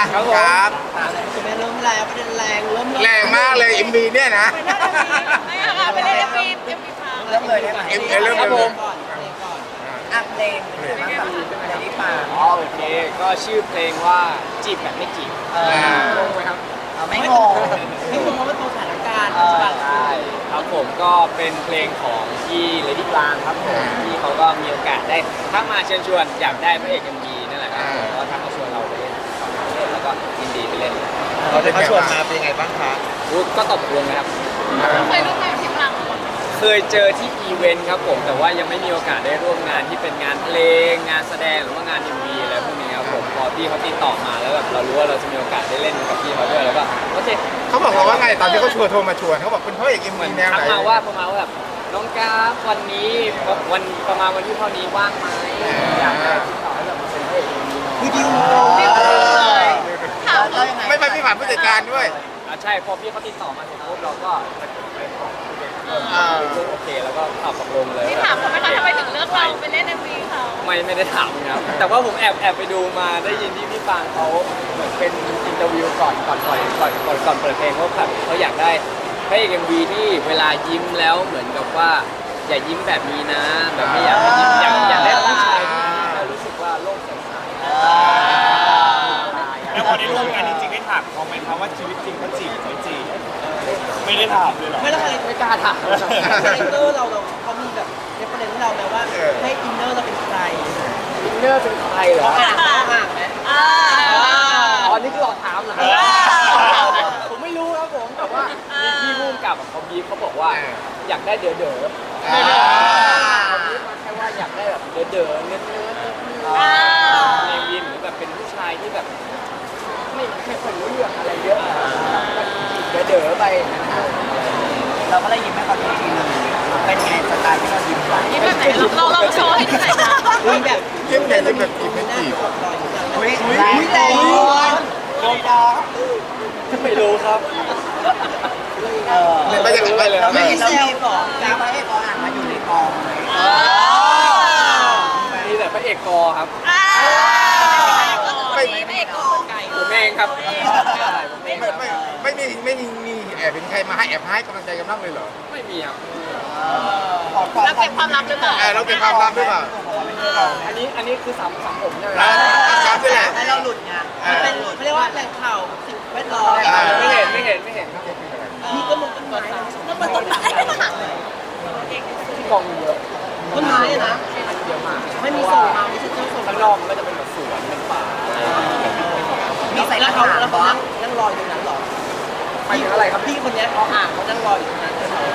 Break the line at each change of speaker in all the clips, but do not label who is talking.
ครับ
คุณแม่เริ่มแรงประเด็นแรงเริ่ม
แรงมากเลยMVเนี่ยนะ
ไม่ค่ะไปเล่นเอ็มวีพัง
เริ่มเลยได้ไหม
เริ่ม
ครับ
เล
ผ
ย
มก่อนเพลงก่อน
อ่ะเพลงเป็นไงบ้างกับเดลี่ปา
อ๋อโอเคก็ชื่อเพลงว่าจีบแบบไม่จีบงงไหมครับ
ไม่งง
ให้คุณเพราะว่าตัวสถานการณ์
ใช่ครับผมก็เป็นเพลงของพี่เลดี้ปลางครับผมที่เขาก็มีโอกาสได้ทักมาเชิญชวนอยากได้พระเอกMVนั่นแหละครับผมก็ทักมาชวนเราไปเล่นแล้วก็ยินดีไปเล่น
เขาชวนมาเป็นไงบ้างคะ
ก็ตกลงนะครับ
เคยร่วมงานกับพี่พัง
เคยเจอที่อีเวนต์ครับผมแต่ว่ายังไม่มีโอกาสได้ร่วมงานที่เป็นงานเพลงงานแสดงหรือว่างานMVอะไรพวกนี้ครับผมพอพี่เขาติดต่อมาแล้วแบบเรารู้ว่าเราจะมีโอกาสได้เล่นกับพี่เขาด้วยแล้วก็โอเค
เขาบอกว่าไงตอนที่เขาโทรมาชวนเขาบอกเป็นพระเอกMV แนว
ทัก
ไหน
มาว่าประมาณว่าแบบน้องกราฟวันนี้วันประมาณวันที่เท่านี้ว่างไหมอยากได้ติดต่อให้แบบมาเป็นพระเอกMV
คือดิว
เลยถาม
แล้วยังไง
ไม่พี่ผ่านผู้จัดการด้วย
ใช่พอพี่เขาติดต่อมาเสร็จปุ๊บเราก็ไปขอโอเคแล้วก็ตอบตกลงเลย
พี่ถามเขาไหมคะทำไมถึงเลือกเราไปเล่นเอ็มวีเขา
ไม่ได้ถามนะครับแต่ว่าผมแอบไปดูมาได้ยินที่พี่ฟางเขาเหมือนเป็นอินเตอร์วิวก่อนเปิดเพลงว่าแบบเขาอยากได้พระเอกMVที่เวลายิ้มแล้วเหมือนกับว่าอย่ายิ้มแบบนี้นะแบบไม่อยากให้ยิ้มอยากได้ผู้ชายที่เรารู้สึกว่าโลกสดใส
แล้วพอได้ร่วมงานจริงๆได้ถามเขาไหมครับว่าชีวิตจริงเขาจีบไม่จีบไม่ได้ถามเลยเหรอ
ไม่แล้วอะไร
ไม่กล้าถาม
คาแรคเตอร์เราเขามีแบบเรฟเฟอเรนซ์เราไหมว่าให้อินเนอร์เราเป็นใคร
อินเนอร์เป็นใครเหรอ
ห่างไหม
อ๋อนี่คือหลอกถามเหรอผมไม่รู้ครับผมแต่ว่ามีพี่พุ่มกับเขาบีบเขาบอกว่าอยากได้เด๋อเขาบีบมาแค่ว่าอยากได้แบบเด๋อเนื้อในวินหรือแบบเป็นผู้ชายที่แบบไม่ค่อยรู้เรื่องอะไรเยอะเด๋อไป
เราก็เลยยิ้มให้เขาดูทีนึงเป็นไงสไตล์ที่เรายิ้มไป
นี่แบบไหนเราลองโชว์ให้ดูหน่อยค่ะ
มีแบบ
ยิ้มใหญ่ยิ้มแบบจีบไม่จีบ
อุ้ยแรงแรงโดนดอก
ไม่รู้ครับ
ไม่จะไปเลย
เราไม่เห็นเรามีก่อนมีพระเอกอ่างมาอยู่ในกองไหม
มีแต่พระเอกกอครับ
ไม่เอกคนไก่
ผมเองครับ
ไม่มีแอบเป็นใครมาให้แอบให้กำลังใจกันบ้างเลยเหรอ
ไม่มีครับ
เราเก็บความลับหรือเปล่า
เราเก็บความลับหรือเปล่า
อันนี้คือสามผมใช่ไหม
ครับนี่แหละ
ให้เราหลุดไง
มันเป็นเขาเรียกว่าแหล่งข่าวสิ่งแวดล้อม
ไม่เห็นครับ
พี่ก็มึงตัวตามแล้วมันตัวตาม
ที่กองเยอะ
ต้นไม้นะ
เยอะมาก
ไม่มีส่งมาไม่ใช่เจ้าส่ง
ข้างนอกมันก็จะเป็นแบบสวนเป็นป่า
มีใส่
แล้ว
กระ
เขา
ถาง
แล้วเขา
บ้าง
นั่งรออยู่นั้นหรอ
ไปถึงอะไรครับ
พี่คนนี้เขาอ่างเขานั่งรออยู่นั้น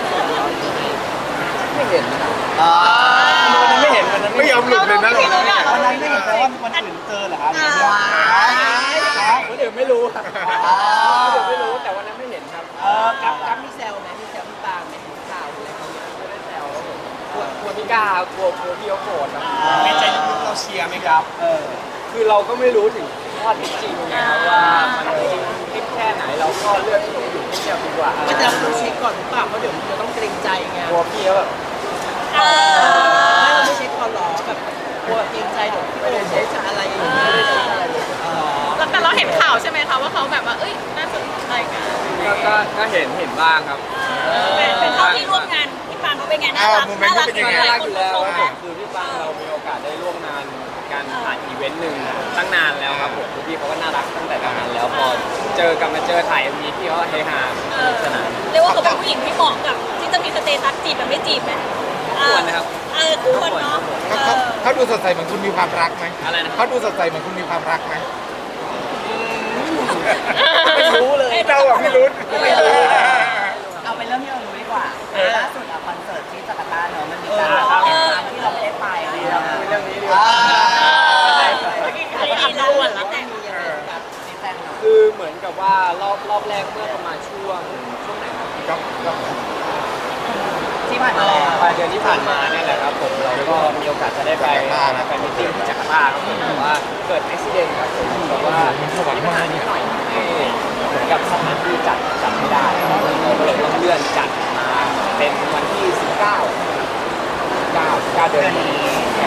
ไม่เห็นนะ
อ๋อ
วันนั้นไม่เห็นวันนั้น
ไม่ยอมหลุดเลยนะ
วันนั้นไม่เห็นแต่ว่าวันอื่นเจอเหรอครับ
คนอื่นไม่รู้ครับคนอื่นไม่รู้แต่วันนั้นไม่เห็นครับ
กับมีแซวไหมมีแซวพี่ปางไหมข่าวอะไรเขาเนี่ย
ไม่ได้แซวครับผมกลัวพี่กล้ากลัวพี่เขาโกรธครับ
ในใจลึกๆเราเชียร์ไหมครับ
คือเราก็ไม่รู้ถึงข้อเท็จจริงไงครับว่ามันจริงคลิปแค่ไหนเราก็เลือกที่จะอยู่เงียบๆดีกว่า
ก็จะต้องเช็คก่อนหรือเปล่าเพราะเดี๋ยวมันจะต้องเกรงใจไง
กลัวพี่เขาแบบ
ไม่เราไม่เช็คก่อนหรอแบบกลัวเกรงใจเดี๋ยวพี่โอ้เช็คอะไรอย่างเงี้ย
แต่เราเห็นข่าวใช่ไหมคะว่าเขาแบบว่าเอ้ยน่าสนใจกัน
ก็เห็นบ้างครับ
เป็นเขาที่ร่วมงานพี่ปางเขาเป็นไงน่ารัก
น่ารักอยู่แล้วคือพี่ฟังเรามีโอกาสได้ร่วมงานการผ่านอีเวนต์หนึ่งตั้งนานแล้วครับผมพี่เขาก็น่ารักตั้งแต่ตอนนั้นแล้วพอเจอกลับมาเจอถ่ายมีพี่เขาเฮฮาสนุกสนาน
เรียกว่าเขาเป็นผู้หญิงที่เหมาะกับที่จะมีสเตตัสจีบแบบไม่จีบไหม
ควรนะครับ
ควรเนาะ
เขาดูสดใสเหมือนคุณมีความรักไหม
อะไรนะ
เขาดูสดใสเหมือนคุณมีความรักไหม
ไม่รู้เลย
เราอะไม่รู้ไม่รู้
เอาเป็นเรื่องที่เรารู้ดีกว่าล่าสุดคอนเสิร์ตที่จาการ์ตาเนอะมันมีการแข่งขันที่เราไม่ได้ไปอะไรอย่างเงี้ย
เรื่องนี้ดีกว่า
ดีแล้วอ่ะแล้วแต่
มีแฟนหน่อย
คือเหมือนกับว่ารอบแรกเมื่อประมาณช่วงไหนครับ
ที่ผ่านมาแล้ว
ปลายเดือนที่ผ่านมาเนี่ยแหละครับผมเราก็มีโอกาสจะได้ไปแฟนมิตติ้งที่จาการ์ตาครับผมแต่ว่าเกิดอุบิเหตุครับผมแบบว่ามีปัญหานิดหน่อยที่เหมือนกับสถานที่จัดไม่ได้เราก็เลยต้องเลื่อนจัดมาเป็นวันที่ 19 เดือนนี้แทน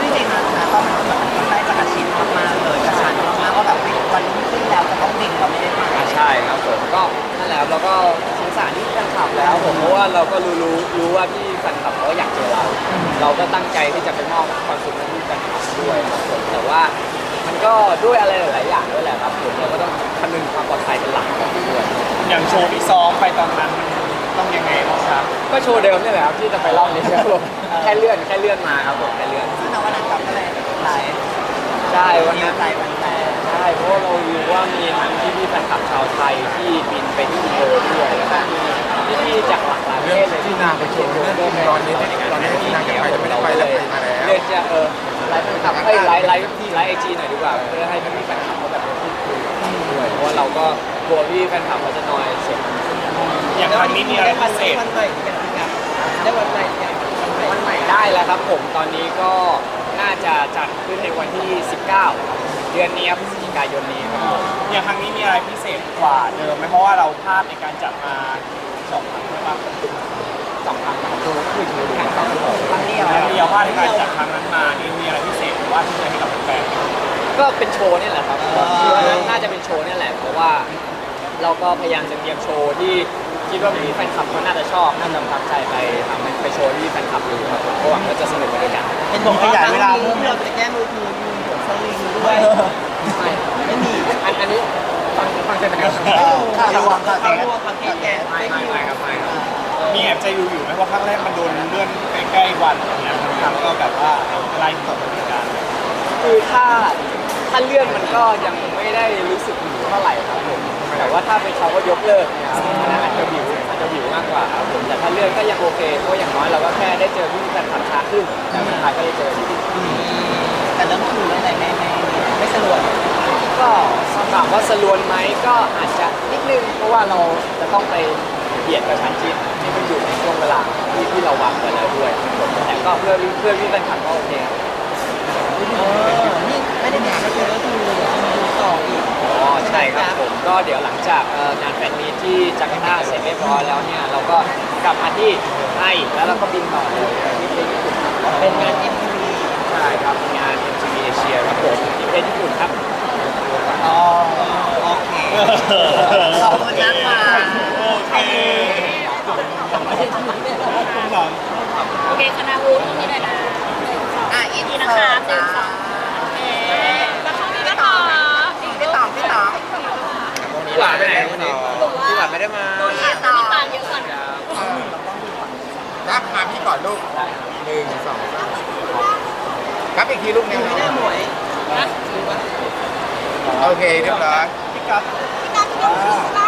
จริงๆนะตอนนั้นมันได้กระชินมากๆเลยกระชันมากๆว่าแบบวันรุ่งขึ้นแล้วจะต้องบินเราไม่ได้มา
ใช่ครับผมก็นั่นแหละครับเราก็สงสารที่แฟนคลับแล้วผมเพราะว่าเราก็รู้ว่าพี่แฟนคลับเขาอยากเจอเรา เราก็ตั้งใจที่จะไปมอบความสุขให้พี่แฟนคลับด้วยครับผมแต่ว่ามันก็ด้วยอะไรหลายๆอย่างด้วยแหละครับผมเราก็ต้องคำนึงความปลอดภัยเป็นหลักของด้วย
อย่างโชว์ที่ซ้อมไปตอนนั้นต้องยังไงบ้างครับ
ก็โชว์เดิมนี่แหละครับที่จะไปรอบนี้ครับผมแค่เลื่อนมาครับผมแค่เลื่อน
ซึ่งในวันนั้นกับก็เลยไลฟ์
ใช่วัน
นิ
นั้
วน ใจวันแต่
ใช่เพราะว่าเรารู้ว่ามีทั้งพี่แฟนคลับชาวไทยที่บินไปที่อินโดด้วยแล้วก็มีพี่ๆจากหลากหลายประ
เรื่
เท
อง
ศเลย
ที่นางไปโชว์เรื่องที่ตอนนี้ที่นางจะไปจะไม่ได้ไปแล้วไปมาแล้ว
เลือกจะไลฟ์แฟนคลับให้ไลฟ์ไอจีหน่อยดีกว่าเพื่อให้พี่แฟนคลับเขาแบบพูดคุยด้วยเพราะว่าเราก็กลัวพี่แฟนคลับเขาจะนอยเสียง
อย่างครั้งนี้มีอะไรพิเศษ
วันใหม่อีกอย่างครับได้วันใหม่อย่างวันใหม่
ได้แล้วครับผมตอนนี้ก็น่าจะจัดขึ้นในวันที่ 19 เดือนนี้ครับพฤศจิกายนนี้ครับผม
อย่างครั้งนี้มีอะไรพิเศษกว่าเดิมไหมเพราะว่าเราพลาดในการจัดมา2 ครั้งใช่ปะ
2 ครั้งครับคือแข่ง2
ครั้งเดียว
แล้วมีเอาพลาดในการจัดครั้งนั้นมานี่มีอะไรพิเศษหรือว่าที่จะให้กับแฟน
ก็เป็นโชว์นี่แหละครับคือวันนั้นน่าจะเป็นโชว์นี่แหละเพราะว่าเราก็พยายามจะเตรียมโชว์ที่คิดว่าพี่แฟนคลับเขาน่าจะชอบน่าจะประทับใจไปทำไปโชว์ที่แฟนคลับดูครับผมก็หวังว่าจะสนุกไปด้วยกัน
เป็นผมขยายเวลาที่เราจะแก้มือถือมีหัวสลิงด้วย ไม่มี
อันนี้ฟังเสร็จนะครับ
ข่าวรวมข่าว
เขา
แตก
รวมความคิดแก
ไม่ครับ
มีแอบใจอยู่ไหมว่าครั้งแรกมันโดนเลื่อนใกล้ๆวันอย่างเงี้ยบางครั้งก็แบบว่าไล่ตกเหมือนกัน
คือถ้าเลื่อนมันก็ยังไม่ได้รู้สึกหิวเท่าไหร่ครับผมแต่ว่าถ้าเป็นเขาก็ยกเลิกเนี่ยครับอันนั้นอาจจะหิวมากกว่าครับผมแต่ถ้าเลื่อนก็ยังโอเคเพราะอย่างน้อยเราก็แค่ได้เจอพี่แฟนคลับช้าขึ้นแต่สุดท้ายก็ได้เจออยู่ดี
แต่เรื่องคือเรื่องไหนไม่สะดวก
ก็ถามว่าสลวนไหมก็อาจจะนิดนึงเพราะว่าเราจะต้องไปเบียดกับชันชิดที่มันอยู่ในช่วงเวลาที่เราวางไว้แล้วด้วยแต่ก็เพื่อพี่แฟนคลับก็โอเคครับ
นี่ไม่ได้มีก็คือก็คือมีต่ออีก
อ๋อใช่ครับผมก็เดี๋ยวหลังจากงานแฟนมีตที่จาการ์ตาเสร็จเรียบร้อยแล้วเนี่ยเราก็กลับมาที่ไทยแล้วเราก็บินต่อเลยที่ประเทศญี่ปุ่นครับ
เป็นงาน MTV
ใช่ครับงาน MTV Asia ครับผมที่ประเทศญี่ปุ่นครับ
อ๋อโอเคขอบคุณนะคะ
โอเคคุณหลัง
โอเคคณะวูตรงนี้เลยนะ
อิน
นี่
เสิ
นะคะ
ร์ต
หนึ่
จ้าง
สองโอเคแล้วช่องนี้นะคะ
พี่ต๋อง
พี่หวานไปไหนวันนี้พี่หวานไม่ได้มา
โดนขาดน้ำตาลเยอะก่อน
ครับมาพี่ก่อนลูก1 2 3ครับอีกทีลูกหนึ่ง
ไม่ได้หมวย
นะ
โอเคเรียบร้อย
พี่กั๊บ
พี่การ